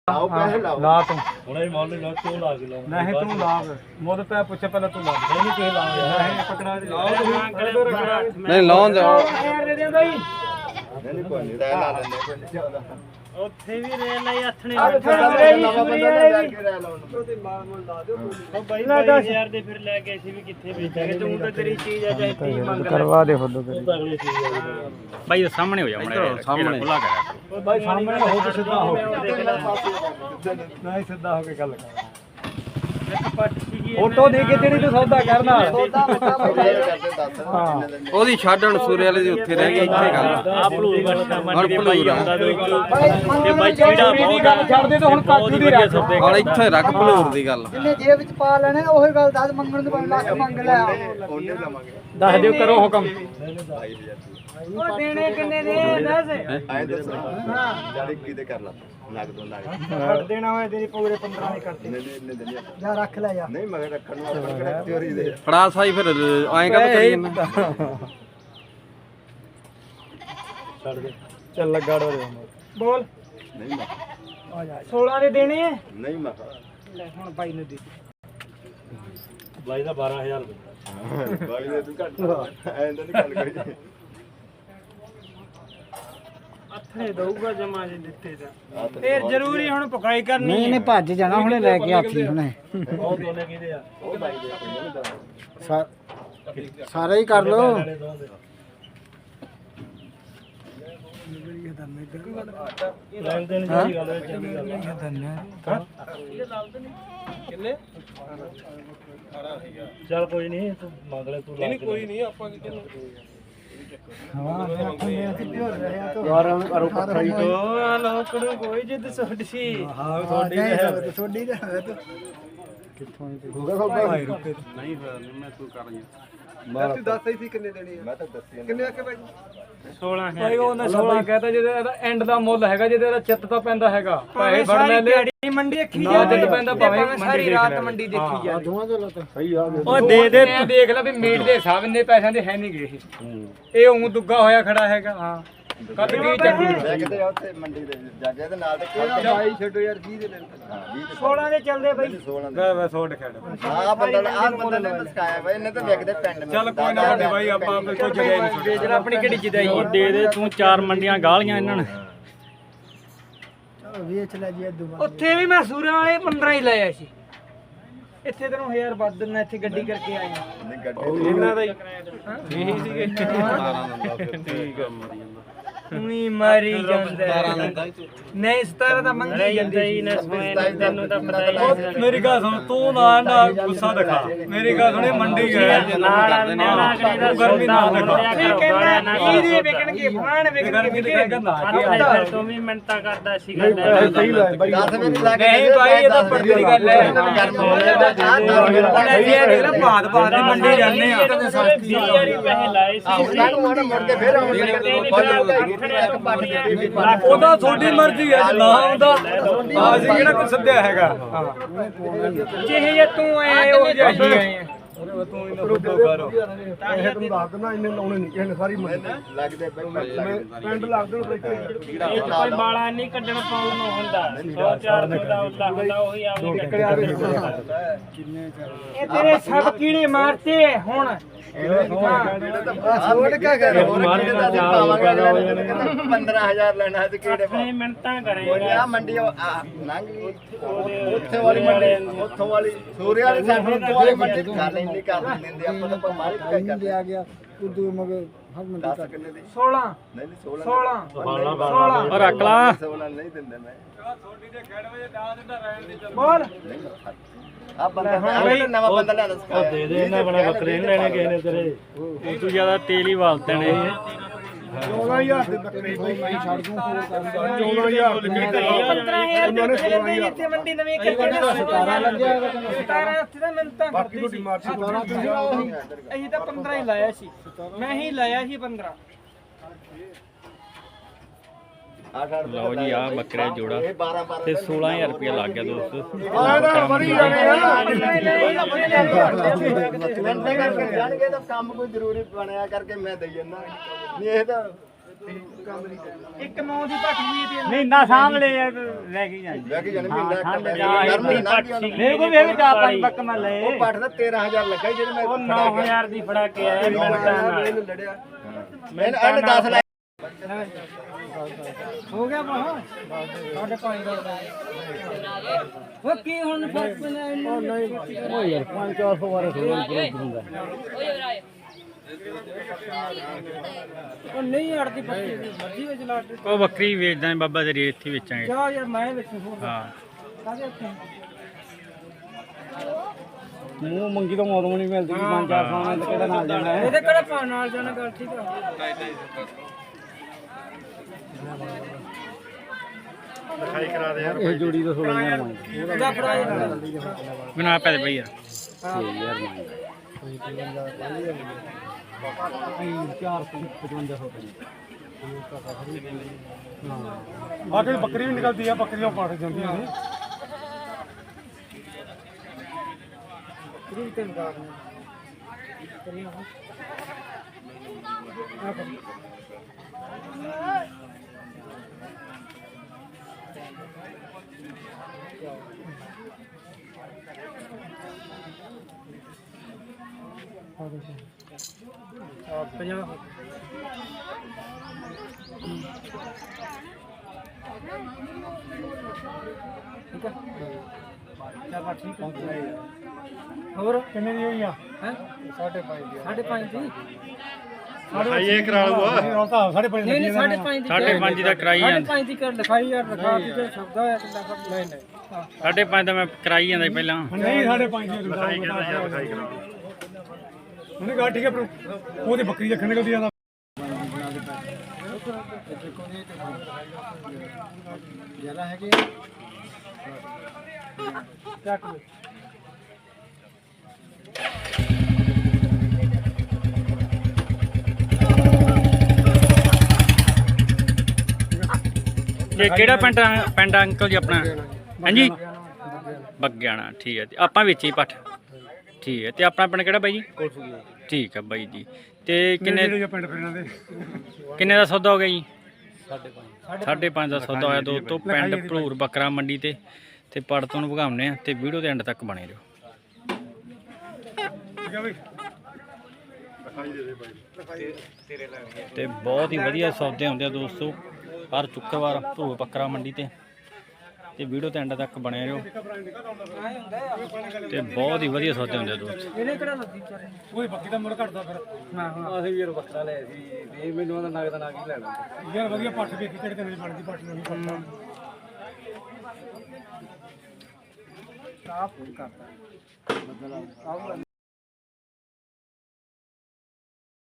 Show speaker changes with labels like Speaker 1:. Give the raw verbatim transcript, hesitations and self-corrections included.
Speaker 1: ਲਾਓ ਪੈਸੇ ਲਾਓ
Speaker 2: ਲਾ ਤੂੰ
Speaker 3: ਹੁਣੇ ਮੁੱਲ ਲਾ ਤੂੰ ਲਾ ਕੇ ਲਾਉਂ
Speaker 2: ਨਹੀਂ ਤੂੰ ਲਾ ਮੁੱਲ ਪੈ ਪੁੱਛ ਪਹਿਲਾਂ ਤੂੰ ਲਾ ਨਹੀਂ ਕਿਸੇ ਲਾ ਨਹੀਂ ਪਕੜਾ ਲਾਓ
Speaker 4: ਨਹੀਂ ਲਾਉਣ ਦੇ
Speaker 2: ਯਾਰ ਦੇ ਦੇ ਬਾਈ
Speaker 1: ਨਹੀਂ ਕੋਈ ਨਹੀਂ ਰਹਿ ਲਾ ਲੈਂਦੇ
Speaker 3: ਉੱਥੇ ਵੀ ਰੇਲ ਲਈ ਹੱਥਣੇ
Speaker 2: ਨਵਾਂ ਬੰਦਾ ਲੈ ਕੇ ਰਹਿ ਲਾਉਣ
Speaker 3: ਉਹ ਬਾਈ ਬਾਈ ਯਾਰ ਦੇ ਫਿਰ ਲੈ ਕੇ ਅਸੀਂ ਵੀ ਕਿੱਥੇ ਵੇਚਾਂਗੇ ਤੂੰ ਤਾਂ ਤੇਰੀ ਚੀਜ਼ ਆ ਚਾਹੇ ਤੀ ਮੰਗ ਲੈ
Speaker 2: ਕਰਵਾ ਦੇ ਫੁੱਲ
Speaker 3: ਤੂੰ ਤਾਂ ਅਗਲੀ ਚੀਜ਼ ਆ
Speaker 4: ਬਾਈ ਸਾਹਮਣੇ ਹੋ ਜਾ ਮੜੇ ਸਾਹਮਣੇ ਖੁੱਲਾ ਕਰ
Speaker 2: ਬਾਈ ਸਾਹਮਣੇ ਹੋ ਤੇ ਸਿੱਧਾ ਹੋ ਨਹੀਂ ਸਿੱਧਾ ਹੋ ਕੇ ਗੱਲ ਕਰ ਫੋਟੋ ਦੇ ਕੇ ਤੇਰੀ ਤੂੰ ਸੌਦਾ ਕਰਨਾ
Speaker 4: ਉਹਦੀ ਛੱਡਣ ਸੂਰੇ ਵਾਲੇ ਦੀ ਉੱਥੇ ਰਹਿ ਗਈ ਇੱਥੇ ਗੱਲ
Speaker 3: ਆ ਭਲੂਰ ਵਰਤਾ ਮੰਡੀ ਬਾਈ ਆਉਂਦਾ ਦੋ ਤੇ ਬਾਈ ਚੀੜਾ ਬਹੁਤ ਆ
Speaker 2: ਛੱਡ ਦੇ ਤੂੰ ਹੁਣ ਕਾਜੂ ਦੀ ਰੱਖ
Speaker 4: ਹੁਣ ਇੱਥੇ ਰੱਖ ਭਲੂਰ ਦੀ ਗੱਲ
Speaker 5: ਜਿੰਨੇ ਜੇਬ ਵਿੱਚ ਪਾ ਲੈਣੇ ਉਹੀ ਗੱਲ ਦੱਸ ਮੰਗਣ ਤੋਂ ਪੰਜ ਲੱਖ ਮੰਗ ਲੈ
Speaker 1: ਉਹਨੇ ਲਵਾਂਗੇ
Speaker 2: ਦੱਸ ਦਿਓ ਕਰੋ ਹੁਕਮ
Speaker 5: ਉਹ ਦੇਣੇ ਕਿੰਨੇ ਦੇ ਦੱਸ
Speaker 1: ਆਏ ਦੱਸੋ ਜਾੜੀ ਕਿਤੇ ਕਰ ਲਾ ਲੱਗ ਦੋ ਲੱਗ
Speaker 5: ਛੱਡ ਦੇਣਾ ਹੋਇਆ ਤੇਰੀ ਪੂਰੇ ਪੰਦਰਾਂ ਦੇ ਕਰਤੇ
Speaker 1: ਨਹੀਂ ਨਹੀਂ ਨਹੀਂ
Speaker 5: ਜਾ ਰੱਖ ਲੈ ਜਾ
Speaker 1: ਨਹੀਂ ਮਗਰ ਰੱਖਣ ਨੂੰ ਆਪਾਂ ਕਿਹੜਾ ਚੋਰੀ ਦੇ
Speaker 4: ਫੜਾ ਸਾਈ ਫਿਰ ਐਂ ਕਾ ਕਰੀ ਜਾਂਦਾ
Speaker 3: ਛੱਡ ਦੇ
Speaker 2: ਚੱਲ ਲੱਗਾ ਡੋਰੇ
Speaker 5: ਬੋਲ
Speaker 1: ਨਹੀਂ ਮੈਂ
Speaker 5: ਆ ਜਾ ਸੋਲਾਂ ਦੇ ਦੇਣੇ ਆ
Speaker 1: ਨਹੀਂ ਮੈਂ
Speaker 5: ਲੈ ਹੁਣ ਬਾਈ ਨੂੰ ਦੇ
Speaker 3: ਬਾਈ ਦਾ ਬਾਰਾਂ ਹਜ਼ਾਰ ਰੁਪਏ
Speaker 1: ਬਾਈ ਦੇ ਤੂੰ ਘੱਟ ਐਂ ਤਾਂ ਨਹੀਂ ਗੱਲ ਕਰੀ
Speaker 3: ਹੱਥਣੇ ਦਊਗਾ ਜਮਾ ਜੇ ਦਿੱਤੇ ਤਾਂ
Speaker 5: ਫੇਰ ਜ਼ਰੂਰੀ ਹੁਣ ਪਕਾਈ ਕਰਨੀ
Speaker 2: ਨਹੀਂ ਨਹੀਂ ਭੱਜ ਜਾਣਾ ਹੁਣੇ ਲੈ ਕੇ ਆਖੀ ਹੁਣੇ
Speaker 3: ਉਹ ਦੋਨੇ ਕਿਹਦੇ ਆ
Speaker 1: ਉਹ ਬਾਈ ਦੇ
Speaker 2: ਸਾਰਾ ਹੀ ਕਰ ਲੋ
Speaker 3: ਲੈਣ ਦੇਣ ਦੀ ਗੱਲ ਹੈ ਚੰਗੀ ਗੱਲ ਹੈ
Speaker 2: ਕਿੰਨੇ
Speaker 3: ਚੱਲ ਕੋਈ ਨਹੀਂ ਤੂੰ ਮੰਗ ਲੈ ਤੂੰ ਨਹੀਂ ਕੋਈ ਨਹੀਂ
Speaker 5: ਹਾਂ ਮੈਂ ਆਖਿਆ ਪਿਓਰ ਰਿਹਾ ਤੋ
Speaker 2: ਯਾਰ ਕਰੋ ਪੱਥਰ ਹੀ
Speaker 5: ਉਹ ਲੋਕ ਨੂੰ ਕੋਈ ਜਿੱਦ ਛੋਟੀ ਸੀ
Speaker 2: ਹਾਂ
Speaker 5: ਤੁਹਾਡੀ ਹੈ ਤੁਹਾਡੀ ਹੈ ਤੂੰ
Speaker 2: ਕਿੱਥੋਂ ਹੋਗਾ ਖੋਗਾ ਰੁਪਏ
Speaker 4: ਨਹੀਂ ਫਿਰ ਮੈਂ ਤੂੰ ਕਰ
Speaker 2: ਤੂੰ ਦੱਸ ਹੀ ਸੀ ਕਿੰਨੇ ਦੇਣੀ
Speaker 1: ਮੈਂ ਤਾਂ ਦੱਸਿਆ
Speaker 2: ਕਿੰਨੇ ਆਕੇ ਬਾਈ
Speaker 3: ਸੋਲਾਂ
Speaker 2: ਭਾਈ ਉਹਨੇ ਸੋਲਾਂ ਕਹਤਾ ਜਿਹਦੇ ਇਹਦਾ ਐਂਡ ਦਾ ਮੁੱਲ ਹੈਗਾ ਜਿਹਦੇ ਇਹਦਾ ਚਿੱਤ ਤਾਂ ਪੈਂਦਾ ਹੈਗਾ ਪੈਸੇ ਫੜ ਲੈ ਲੈ
Speaker 5: ਮੰਡੀ ਅੱਖੀ
Speaker 2: ਨਾ ਚਿੱਤ ਪੈਂਦਾ ਭਾਵੇਂ
Speaker 5: ਸਾਰੀ ਰਾਤ ਮੰਡੀ ਦੇਖੀ ਜਾ
Speaker 2: ਦੋਵਾਂ ਦੇ ਲੱਤ ਸਹੀ ਆ
Speaker 5: ਉਹ ਦੇ ਦੇ ਤੂੰ ਦੇਖ ਲੈ ਵੀ ਮੀਟ ਦੇ ਹਿਸਾਬ ਇੰਨੇ ਪੈਸਿਆਂ ਦੇ ਹੈ ਨਹੀਂ ਗਏ ਇਹ ਇਹ ਉਂ ਦੁੱਗਾ ਹੋਇਆ ਖੜਾ ਹੈਗਾ ਹਾਂ ਕੱਦ ਕੀ ਚੱਕੀ
Speaker 1: ਦੇਖਦੇ ਆ ਉੱਥੇ ਮੰਡੀ ਦੇ ਜਾ ਕੇ ਤੇ ਨਾਲ ਤੇ ਖੜ
Speaker 2: ਬਾਈ ਛੱਡੋ ਯਾਰ ਵੀਹ ਦੇ ਲੈ
Speaker 1: ਹਾਂ ਵੀਹ ਤੇ
Speaker 5: ਸੋਲਾਂ ਦੇ ਚੱਲਦੇ ਬਈ
Speaker 1: ਸੋਲਾਂ ਦੇ
Speaker 2: ਮੈਂ ਮੈਂ ਸੋਡ ਖੜ
Speaker 1: ਆਹ ਬੰਦਾ ਆਹ ਬੰਦਾ ਨੇ ਮਸਕਾਇਆ ਬਾਈ ਇਹਨੇ ਤਾਂ ਵਿਕਦੇ ਪਿੰਡ
Speaker 2: ਚੱਲ ਕੋਈ ਨਾ ਵੱਡੇ ਬਾਈ ਆਪਾਂ ਕੋਈ ਜਗ੍ਹਾ ਨਹੀਂ
Speaker 5: ਵੇਚਣਾ ਆਪਣੀ ਕਿਹੜੀ ਜਿਦਾਈ
Speaker 3: ਉਹ ਦੇ ਦੇ ਤੂੰ ਚਾਰ ਮੰਡੀਆਂ ਗਾਲੀਆਂ ਇਹਨਾਂ ਨੇ
Speaker 5: ਚਲੋ ਵੇਚ ਲੈ ਜੀ ਅੱਧੂ ਉੱਥੇ ਵੀ ਮੈਂ ਸੂਰਾਂ ਵਾਲੇ ਪੰਦਰਾਂ ਹੀ ਲਾਇਆ ਸੀ ਇੱਥੇ ਤੈਨੂੰ ਹਜ਼ਾਰ ਵੱਧ ਦਿੰਦਾ ਇੱਥੇ ਗੱਡੀ ਕਰਕੇ ਆਏ ਆ
Speaker 1: ਨਹੀਂ ਗੱਡੀ
Speaker 2: ਇਹਨਾਂ ਦਾ ਹੀ
Speaker 5: ਇਹੀ ਸੀਗੇ
Speaker 4: ਠੀਕ ਆ ਮਰੀ ਜਾਂਦਾ
Speaker 5: ਉਈ ਮਾਰੀ ਜਾਂਦਾ ਨਹੀਂ ਸਤਾਰਾਂ ਦਾ ਮੰਗੀ ਜਾਂਦੀ
Speaker 3: ਹੀ ਨਾ ਤੈਨੂੰ ਤਾਂ ਪਤਾ ਹੀ ਨਹੀਂ
Speaker 2: ਮੇਰੀ ਗੱਲ ਸੁਣ ਤੂੰ ਨਾ ਨਾ ਗੁੱਸਾ ਦਿਖਾ ਮੇਰੀ ਗੱਲ ਸੁਣੇ ਮੰਡੀ ਗਿਆ
Speaker 3: ਨਾਲ ਨਿਆਣਾ ਕਰੀਦਾ
Speaker 2: ਗਰਮੀ ਨਾ ਦਿਖਾ
Speaker 5: ਇਹ ਕਹਿੰਦਾ ਇਹਦੇ ਵਿਕਣਗੇ ਫਾਣ ਵਿਕਣਗੇ
Speaker 2: ਗਰਮੀ ਦੀ ਕਹਿੰਦਾ ਨਾ
Speaker 3: ਫਿਰ ਤੂੰ ਵੀ ਮਿੰਟਾਂ ਕਰਦਾ ਸੀਗਾ
Speaker 2: ਸਹੀ ਲੈ ਬਾਈ
Speaker 1: ਦਸ ਮਿੰਟ ਲੱਗ
Speaker 5: ਨਹੀਂ ਭਾਈ ਇਹ ਤਾਂ ਪਰਦੇ ਦੀ ਗੱਲ ਹੈ
Speaker 1: ਗਰਮ ਹੋ ਜਾਂਦਾ ਚਾਹ ਦਸ ਮਿੰਟ
Speaker 5: ਉਹਨੇ ਵੀ ਇਹ ਦੇਖ ਲੈ ਬਾਦ ਬਾਦ ਦੀ ਮੰਡੀ ਜਾਂਦੇ ਆ
Speaker 3: ਵੀਹ ਵਾਰੀ ਪੈਸੇ ਲਾਏ ਸੀ
Speaker 1: ਆਹ ਮੁੜ ਮੁੜ ਕੇ ਫੇਰ ਆਉਣਗੇ
Speaker 2: ਉਹਦਾ ਤੁਹਾਡੀ ਮਰਜ਼ੀ ਹੈ ਜੇ ਨਾ ਆਉਂਦਾ ਅਸੀਂ ਕਿਹੜਾ ਕੋਈ ਸੱਦਿਆ ਹੈਗਾ
Speaker 5: ਜਿਹੇ ਜੇ ਤੂੰ ਆਏ ਉਹ ਜਿਹੀ ਆਏ ਆ
Speaker 2: ਤੂੰ ਇਹਨਾਂ ਫੋਟੋ ਕਰੋ ਇਹ ਤੂੰ ਦੱਸ ਦੇਣਾ ਇੰਨੇ ਲਾਉਣੇ ਨਹੀਂ ਕਿਸੇ ਨੇ ਸਾਰੀ
Speaker 1: ਲੱਗਦੇ
Speaker 2: ਪਿੰਡ ਲੱਗ ਦੇਣ
Speaker 3: ਇਹ ਕੋਈ ਬਾਲਾ ਨਹੀਂ ਕੱਢਣ ਪਾਉਣ ਨੂੰ ਹੁੰਦਾ ਸੌ ਚਾਰ ਸੌ ਦਾ ਉੱਲਾ ਹੁੰਦਾ ਉਹੀ ਆਪਣੀ
Speaker 5: ਇਹ ਤੇਰੇ ਸਭ ਕੀੜੇ ਮਾਰਤੇ ਹੁਣ
Speaker 1: ਛੋੜ ਕੇ ਕਰ ਪੰਦਰਾਂ ਹਜ਼ਾਰ ਲੈਣਾ ਤੇ ਕਿਹੜੇ
Speaker 3: ਨਹੀਂ ਮਿੰਟਾਂ
Speaker 1: ਉਹ
Speaker 3: ਕਰੇਗਾ
Speaker 1: ਆ ਮੰਡੀ ਲੰਘ ਗਈ ਉੱਥੇ ਵਾਲੀ ਮੰਡੀ ਉੱਥੋਂ ਵਾਲੀ ਸੂਰੇ ਵਾਲੀ ਸਾਈਡ ਉੱਥੋਂ ਵਾਲੀ ਮੰਡੀ ਗੱਲ ਇੰਨੀ ਕਰ ਦਿੰਦੇ ਆਪਾਂ ਤਾਂ ਮਾਰੀ ਕਰਦੇ
Speaker 2: ਆ ਗਿਆ ਉਦੋਂ ਮਗਰ ਹਰ ਮੰਡੀ
Speaker 1: ਦਸ ਕਿੰਨੇ ਦੀ
Speaker 5: ਸੋਲਾਂ
Speaker 1: ਨਹੀਂ ਨਹੀਂ ਸੋਲਾਂ
Speaker 5: ਸੋਲਾਂ
Speaker 3: ਸੋਲਾਂ
Speaker 4: ਰੱਖ ਲਾ
Speaker 1: ਸੋਲਾਂ ਨਹੀਂ ਦਿੰਦੇ ਮੈਂ
Speaker 5: ਬੋਲ
Speaker 1: ਆ ਬੰਦਾ ਆ ਨਵਾਂ ਬੰਦਾ ਲੈਣਾ ਸਿਖਾਇਆ
Speaker 3: ਦੇ ਦੇ ਇਹਨਾਂ ਬਣਾ ਬੱਕਰੇ ਨਹੀਂ ਲੈਣੇ ਕਿਸੇ ਨੇ ਤੇਰੇ ਉਹ ਤੂੰ ਜ਼ਿਆਦਾ ਤੇਲ ਹੀ ਵਾਲਤੇ ਨੇ
Speaker 2: ਚੌਦਾਂ ਹਜ਼ਾਰ ਦੇ ਬੱਕਰੇ ਭਾਈ ਮੈਂ ਛੱਡ ਦੂੰ ਹੋਰ ਕਰ ਚੌਦਾਂ ਹਜ਼ਾਰ
Speaker 5: ਪੰਦਰਾਂ ਹਜ਼ਾਰ ਦੇ ਬੱਕਰੇ ਇੱਥੇ ਮੰਡੀ ਨਵੀਂ ਕਰਕੇ
Speaker 2: ਸਤਾਰਾਂ ਲੱਗਿਆ
Speaker 5: ਸਤਾਰਾਂ ਉੱਥੇ ਤਾਂ ਮਿੰਤਾਂ
Speaker 2: ਬਾਕੀ
Speaker 5: ਕਰਦੀ
Speaker 2: ਤੁਹਾਡੀ
Speaker 5: ਸੀ
Speaker 2: ਮਾਰਸੀ ਸਤਾਰਾਂ ਤੁਸੀਂ
Speaker 5: ਅਸੀਂ ਤਾਂ ਪੰਦਰਾਂ ਹੀ ਲਾਇਆ ਸੀ ਮੈਂ ਹੀ ਲਾਇਆ ਸੀ ਪੰਦਰਾਂ
Speaker 4: ਲਓ ਜੀ ਆ ਬੱਕਰੇ ਜੋੜਾ
Speaker 1: ਇਹ ਬਾਰਾਂ ਬਾਰਾਂ
Speaker 4: ਤੇ ਸੋਲਾਂ ਹਜ਼ਾਰ ਰੁਪਏ ਲੱਗ ਗਿਆ ਦੋਸਤੋ
Speaker 2: ਆਹ ਤਾਂ ਬੜੀ ਜਾਣੇ ਆ
Speaker 1: ਮਿਹਨਤ ਕਰਕੇ ਜਾਣਗੇ ਤਾਂ ਕੰਮ ਕੋਈ ਜ਼ਰੂਰੀ ਬਣਿਆ ਕਰਕੇ ਮੈਂ ਦਈ ਜਾਂਦਾ ਨਹੀਂ ਇਹ ਤਾਂ
Speaker 3: ਇੱਕ ਨੌ ਦੀ ਪੱਠ ਵੀ ਤੇ
Speaker 5: ਮਹੀਨਾ ਸਾਹਮਣੇ ਲੈ ਕੇ ਜਾਂਦੇ
Speaker 1: ਲੈ ਕੇ ਜਾਣੇ ਮਹੀਨਾ
Speaker 3: ਠੰਡ
Speaker 1: ਕੱਟਿਆ
Speaker 3: ਜਾ
Speaker 1: ਗਰਮੀ
Speaker 3: ਇੰਨੀ
Speaker 1: ਨਾ
Speaker 3: ਪੱਠ
Speaker 1: ਦੀ
Speaker 3: ਸੀ।
Speaker 5: ਮੇਰੇ ਕੋਲ ਵੀ ਇਹ ਚਾਰ ਪੰਜ ਬੱਕ ਮੈਂ ਲਏ
Speaker 1: ਉਹ ਪੱਠ ਦਾ ਤੇਰਾਂ ਹਜ਼ਾਰ ਲੱਗਾ ਸੀ ਜਿਹੜੇ ਮੈਂ
Speaker 3: ਉਹ ਨੌ ਹਜ਼ਾਰ ਦੀ ਫੜਾ ਕੇ ਆਇਆ ਮਿੰਟਾਂ ਨਾਲ
Speaker 1: ਮੈਂ ਇਹਨੇ ਦਸ ਲੈ
Speaker 3: ਹੋ ਗਿਆ ਬਾਹ ਸਾਡੇ ਪੰਜ ਦਾ ਉਹ ਕੀ ਹੁਣ ਫਰਕ ਪੈਣਾ ਇਹਨੂੰ ਨਹੀਂ
Speaker 5: ਉਹ ਯਾਰ ਪੰਜ ਚਾਰ ਸੌ ਵਾਰ ਥੋੜਾ ਹੁੰਦਾ
Speaker 3: ਉਹ ਨਹੀਂ ਅੜਦੀ ਬੱਕਰੀ ਦੀ ਮਰਜ਼ੀ ਵਿੱਚ ਲਾ ਦੇ
Speaker 4: ਉਹ ਬੱਕਰੀ ਵੇਚਦਾ ਹੈ ਬਾਬਾ ਤੇਰੀ ਇੱਥੇ ਵੇਚਾਂਗੇ
Speaker 3: ਜਾ ਯਾਰ ਮੈਂ ਵਿੱਚ ਹੋਰ
Speaker 4: ਹਾਂ
Speaker 3: ਕਾਹਦੇ ਉੱਤੇ
Speaker 5: ਮੂੰਹ ਮੰਗੀ ਤੋਂ ਮੌਤ ਨਹੀਂ ਮਿਲਦੀ ਪੰਜ ਚਾਰ ਸੌ ਨਾਲ ਕਿਹੜਾ ਨਾਲ ਜਾਣਾ ਹੈ
Speaker 3: ਇਹਦੇ ਕਿਹੜਾ ਪਾਣ ਨਾਲ ਜਾਣਾ ਗੱਲ ਠੀਕ ਆ
Speaker 5: ਇਹ ਜੋੜੀ ਦਾ ਸੋਲਾਂ ਹਜ਼ਾਰ ਮੰਗਦਾ
Speaker 3: ਜਾ ਫੜਾ ਯਾਰ
Speaker 4: ਬਣਾ ਪੈ ਦੇ ਬਈ ਯਾਰ
Speaker 5: ਛੇ ਹਜ਼ਾਰ ਮੰਗਦਾ ਚਾਰ ਸੌ ਪਚਵੰਜਾ ਸੌ
Speaker 2: ਬਾਕੀ ਬੱਕਰੀ ਵੀ ਨਿਕਲਦੀ ਆ ਬੱਕਰੀਆਂ ਪਾੜ ਜਾਂਦੀਆਂ ਨੇ
Speaker 3: ਕਿਹੜੀ ਤੇ ਨਿਕਾਲ ਕਰੀਆਂ ਆ ਕਰ ਪੰਜਾਹ ਠੀਕ ਆ ਚੱਲ ਠੀਕ ਆ ਹੋਰ
Speaker 2: ਕਿੰਨੇ ਦੀ ਹੋਈ ਆ
Speaker 3: ਹੈ ਸਾਢੇ ਪੰਜ ਦੀ ਸਾਢੇ ਪੰਜ ਦੀ
Speaker 2: ਇਹ ਕਰਾ ਲੂਗਾ ਤਾਂ ਸਾਢੇ ਪੰਜ
Speaker 3: ਨਹੀਂ ਨਹੀਂ ਸਾਢੇ ਪੰਜ ਦੀ
Speaker 4: ਸਾਢੇ ਪੰਜ ਦਾ ਕਰਾਈ
Speaker 3: ਸਾਢੇ
Speaker 4: ਜਾਂਦਾ
Speaker 3: ਪੰਜ ਦੀ ਕਰ ਲਿਖਾਈ ਯਾਰ ਲਿਖਾ ਦੀ ਜੇ ਸ਼ਬਦ ਹੋਇਆ ਕਿੰਨਾ ਕਰ ਨਹੀਂ ਨਹੀਂ ਹਾਂ
Speaker 4: ਸਾਢੇ ਪੰਜ ਦਾ ਮੈਂ ਕਰਾਈ ਜਾਂਦਾ ਸੀ ਪਹਿਲਾਂ
Speaker 2: ਨਹੀਂ ਸਾਢੇ ਪੰਜ ਦੀ ਲਿਖਾਈ ਕਹਿੰਦਾ ਯਾਰ ਲਿਖਾਈ ਕਰਾ ਉਹਨੇ ਕਹਾ ਠੀਕ ਹੈ ਪਰ ਉਹਦੀ ਬੱਕਰੀ ਜੱਖਣ ਨਿਕਲਦੀ ਆ
Speaker 3: ਜਿਆਦਾ ਹੈਗੇ ਚੱਕ ਲਓ
Speaker 4: ਇਹ ਕਿਹੜਾ ਪਿੰਡ ਆ- ਪਿੰਡ ਆ ਅੰਕਲ ਜੀ ਆਪਣਾ ਹਾਂਜੀ ਬੱਗਿਆਣਾ ਠੀਕ ਹੈ ਤੇ ਆਪਾਂ ਵਿੱਚ ਹੀ ਪੱਠ ਠੀਕ ਹੈ ਤੇ ਆਪਣਾ ਪਿੰਡ ਕਿਹੜਾ ਬਾਈ ਜੀ ਠੀਕ ਹੈ ਬਾਈ ਜੀ ਤੇ ਕਿੰਨੇ
Speaker 2: ਕਿੰਨੇ ਪਿੰਡ ਫਿਰ ਇਹਨਾਂ ਦੇ
Speaker 4: ਕਿੰਨੇ ਦਾ ਸੌਦਾ ਹੋ ਗਿਆ ਜੀ ਸਾਢੇ ਪੰਜ ਦਾ ਸੌਦਾ ਹੋਇਆ ਦੋਸਤੋ ਪਿੰਡ ਭਲੂਰ ਬੱਕਰਾ ਮੰਡੀ ਤੇ ਤੇ ਪੜ ਤੋਂ ਭਗਾਉਣੇ ਆ ਤੇ ਵੀਡੀਓ ਦੇ ਐਂਡ ਤੱਕ ਬਣੇ ਰਹੋ
Speaker 2: ਠੀਕ ਹੈ ਬਈ
Speaker 4: ਤੇ ਬਹੁਤ ਹੀ ਵਧੀਆ ਸੌਦੇ ਹੁੰਦੇ ਆ ਦੋਸਤੋ ਹਰ ਸ਼ੁੱਕਰਵਾਰ ਭਲੂਰ ਬੱਕਰਾ ਮੰਡੀ ਤੇ ਤੇ ਵੀਡੀਓ ਤੇ ਐਂਡ ਤੱਕ ਬਣੇ ਰਹੋ ਤੇ ਬਹੁਤ ਹੀ ਵਧੀਆ ਸੌਦੇ ਹੁੰਦੇ ਆ ਦੋਸਤੋ
Speaker 3: ਇਹਨੇ ਕਿਹੜਾ ਲੱਗੀ ਚਾਰੇ
Speaker 2: ਉਹਦੀ ਬੱਕਰੀ ਦਾ ਮੁੱਲ ਘਟਦਾ ਫਿਰ
Speaker 3: ਹਾਂ ਹਾਂ
Speaker 5: ਅਸੀਂ ਵੀਰ ਬੱਕਰਾ ਲਿਆ ਸੀ ਇਹ ਮੈਨੂੰ ਉਹਦਾ ਨਗਦ ਨਾ ਕੀ ਲੈਣਾ
Speaker 2: ਯਾਰ ਵਧੀਆ ਪੱਠ ਵੇਖੀ ਕਿਹੜੇ ਦਿਨ ਦੀ ਬਣਦੀ ਪੱਠ ਨੂੰ ਨਹੀਂ ਪਤਾ
Speaker 3: ਸਾਫ ਕਰਤਾ ਮਤਲਬ ਆਹ